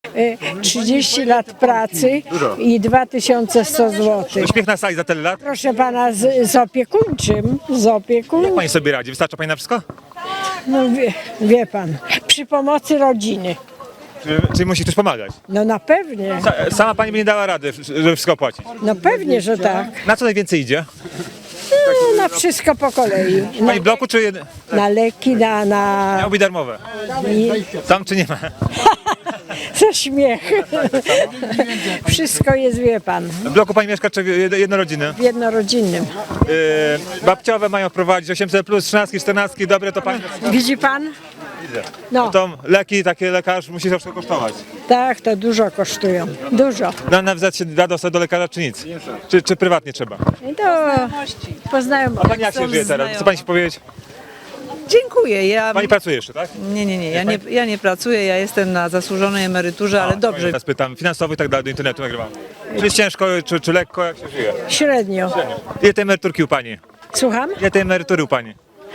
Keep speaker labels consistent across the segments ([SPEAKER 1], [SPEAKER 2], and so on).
[SPEAKER 1] 30 lat pracy
[SPEAKER 2] Dużo.
[SPEAKER 1] i 2100 zł.
[SPEAKER 2] Uśmiech na sali za tyle lat?
[SPEAKER 1] Proszę pana, z opiekuńczym,
[SPEAKER 2] Jak pani sobie radzi? Wystarcza pani na wszystko?
[SPEAKER 1] no wie pan, przy pomocy rodziny.
[SPEAKER 2] Czy musi ktoś pomagać?
[SPEAKER 1] No na pewnie,
[SPEAKER 2] Sama pani by nie dała rady, żeby wszystko opłacić.
[SPEAKER 1] no pewnie, że tak.
[SPEAKER 2] Na co najwięcej idzie?
[SPEAKER 1] No, na wszystko po kolei.
[SPEAKER 2] Pani bloku czy
[SPEAKER 1] Na leki, na
[SPEAKER 2] miałoby darmowe? Tam czy nie ma?
[SPEAKER 1] za śmiech. Wszystko jest, wie pan,
[SPEAKER 2] W bloku pani mieszka czy jednorodziny?
[SPEAKER 1] jednorodzinnym.
[SPEAKER 2] Babciowe mają prowadzić 800 plus, 13, 14, dobre to pani.
[SPEAKER 1] Widzi pan?
[SPEAKER 2] Widzę.
[SPEAKER 1] No,
[SPEAKER 2] To leki, takie lekarz musi zawsze kosztować.
[SPEAKER 1] tak, to dużo kosztują. Dużo.
[SPEAKER 2] Na NFZ się da dostać do lekarza czy nic? Czy prywatnie trzeba?
[SPEAKER 1] I to poznają.
[SPEAKER 2] A pani jak się żyje teraz? Co pani się powiedzieć?
[SPEAKER 3] Dziękuję.
[SPEAKER 2] Pani pracuje jeszcze, tak?
[SPEAKER 3] Nie. Ja nie pracuję, ja jestem na zasłużonej emeryturze, ale dobrze.
[SPEAKER 2] Teraz pytam, finansowo i tak dalej, do internetu nagrywam. Czy jest ciężko, czy lekko, jak się żyje?
[SPEAKER 1] Średnio.
[SPEAKER 2] Ile tej emeryturki u pani?
[SPEAKER 1] Słucham?
[SPEAKER 2] Ile tej emerytury u pani?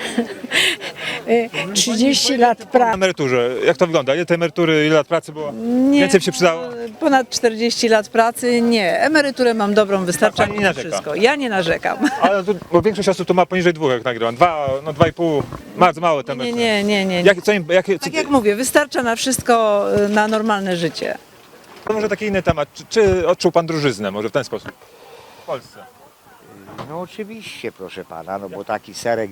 [SPEAKER 1] 30 lat
[SPEAKER 2] Na
[SPEAKER 1] pracy.
[SPEAKER 2] emeryturze, jak to wygląda? Ile tej emerytury, ile lat pracy było?
[SPEAKER 3] Nie,
[SPEAKER 2] Więcej by się przydało?
[SPEAKER 3] Ponad 40 lat pracy, nie. Emeryturę mam dobrą, wystarcza
[SPEAKER 2] Pani
[SPEAKER 3] mi
[SPEAKER 2] nie
[SPEAKER 3] na
[SPEAKER 2] narzeka?
[SPEAKER 3] wszystko. Ja nie narzekam.
[SPEAKER 2] Ale tu, bo większość osób tu ma poniżej 2, jak nagrywam. 2, no 2,5, bardzo małe te emerytury.
[SPEAKER 3] Nie. Tak jak mówię, wystarcza na wszystko, na normalne życie.
[SPEAKER 2] To może taki inny temat. Czy odczuł pan drożyznę, może w ten sposób? W Polsce.
[SPEAKER 4] No oczywiście, proszę pana, no bo taki serek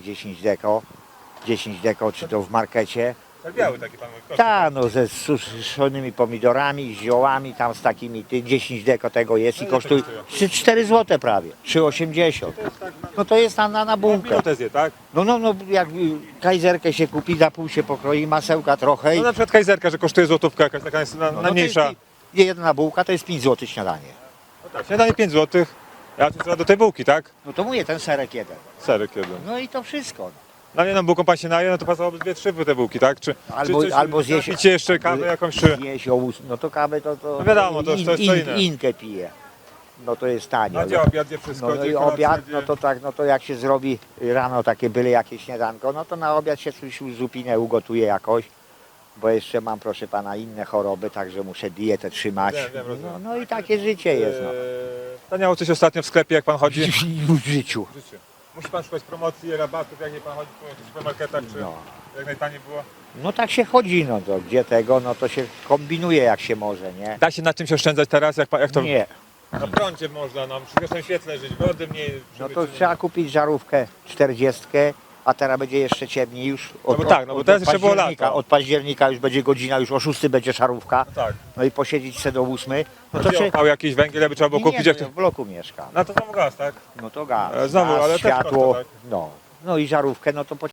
[SPEAKER 4] 10 deko, czy to w markecie,
[SPEAKER 2] Tak biały taki pan mówi.
[SPEAKER 4] ta no ze suszonymi pomidorami, z ziołami, tam z takimi, 10 deko tego jest i kosztuje 4 zł prawie, 3,80. No to jest na bułkę.
[SPEAKER 2] Minutę zje, tak?
[SPEAKER 4] No, jak kajzerkę się kupi, za pół się pokroi, masełka trochę i
[SPEAKER 2] No na przykład kajzerka, że kosztuje złotówka, jakaś taka jest
[SPEAKER 4] no to
[SPEAKER 2] najmniejsza.
[SPEAKER 4] jest, jedna bułka to jest 5 zł śniadanie.
[SPEAKER 2] Tak, śniadanie 5 zł, a tu trzeba do tej bułki, tak?
[SPEAKER 4] No to mówię, ten serek jeden.
[SPEAKER 2] Serek jeden.
[SPEAKER 4] No i to wszystko.
[SPEAKER 2] Na jedną bułką pan się naje, no to pasowałoby 2-3 te bułki, tak? Czy
[SPEAKER 4] Albo zjeść-
[SPEAKER 2] napicie jeszcze kawę jakąś, czy...
[SPEAKER 4] Zjeść ołóż, no to kawę to
[SPEAKER 2] No wiadomo, to jest co inne.
[SPEAKER 4] Inkę pije. No to jest tanie.
[SPEAKER 2] No gdzie obiad, gdzie wszystko,
[SPEAKER 4] No
[SPEAKER 2] gdzie
[SPEAKER 4] i
[SPEAKER 2] kolacja,
[SPEAKER 4] obiad,
[SPEAKER 2] gdzie-
[SPEAKER 4] no to tak, no to jak się zrobi rano takie byle jakieś śniadanko, no to na obiad się coś zupinę ugotuje jakoś, bo jeszcze mam, proszę pana, inne choroby, także muszę dietę trzymać.
[SPEAKER 2] Wiem, rozumiem.
[SPEAKER 4] No i takie życie jest, no.
[SPEAKER 2] Taniało coś ostatnio w sklepie, jak pan chodzi?
[SPEAKER 4] W życiu.
[SPEAKER 2] Musi pan szukać promocji, rabatów, jak nie pan chodzi po supermarketach, czy
[SPEAKER 4] No.
[SPEAKER 2] jak najtaniej było?
[SPEAKER 4] No tak się chodzi, no to gdzie tego, no to się kombinuje jak się może, nie?
[SPEAKER 2] Da się na czymś oszczędzać teraz, jak to...
[SPEAKER 4] Nie.
[SPEAKER 2] Na prądzie można, no, przy wiecznym świetle żyć, wody mniej.
[SPEAKER 4] No to trzeba kupić żarówkę 40, a teraz będzie jeszcze ciemniej już.
[SPEAKER 2] No bo tak, no bo teraz jeszcze było
[SPEAKER 4] października.
[SPEAKER 2] lato.
[SPEAKER 4] Od października już będzie godzina, już o 6 będzie szarówka.
[SPEAKER 2] Tak.
[SPEAKER 4] No i posiedzieć se do 8. No
[SPEAKER 2] No
[SPEAKER 4] to
[SPEAKER 2] to
[SPEAKER 4] czy...
[SPEAKER 2] opał jakiś węgiel, aby trzeba było kupić. Jak
[SPEAKER 4] no,
[SPEAKER 2] to...
[SPEAKER 4] w bloku mieszkam.
[SPEAKER 2] No to znowu gaz, tak?
[SPEAKER 4] No to gaz,
[SPEAKER 2] Znowu,
[SPEAKER 4] gaz
[SPEAKER 2] ale też
[SPEAKER 4] światło,
[SPEAKER 2] koszta, tak?
[SPEAKER 4] no. No i żarówkę, no to